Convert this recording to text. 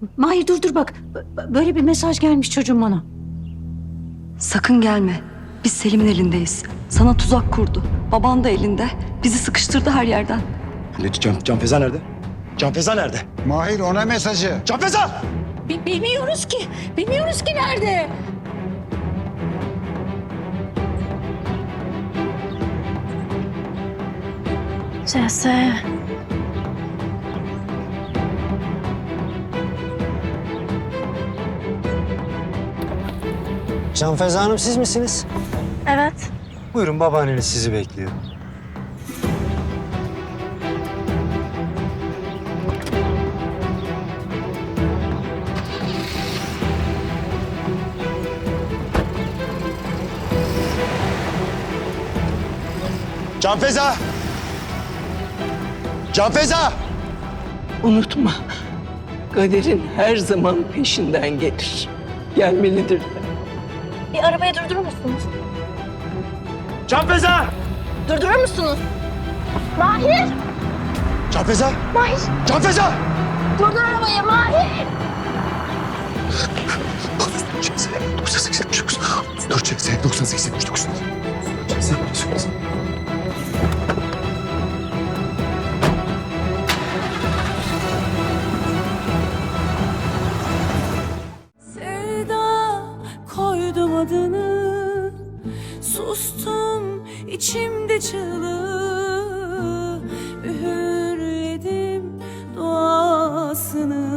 Mahir dur bak. Böyle bir mesaj gelmiş çocuğum bana. Sakın gelme. Biz Selim'in elindeyiz. Sana tuzak kurdu. Baban da elinde. Bizi sıkıştırdı her yerden. Can Feza nerede? Can Feza nerede? Mahir ona mesajı. Can Feza! Bilmiyoruz ki. Bilmiyoruz ki nerede? Cese. Can Feza Hanım siz misiniz? Evet. Buyurun babaanneniz sizi bekliyor. Can Feza! Can Feza! Unutma, kaderin her zaman peşinden gelir. Gelmelidir de. Bir arabayı durdurur musunuz? Can Feza! Durdurur musunuz? Mahir! Can Feza! Mahir! Can Feza! Durdur arabayı Mahir! 9879. 9879. Sevda koydum adını, sustum içimde çığlığı, üğürledim duasını.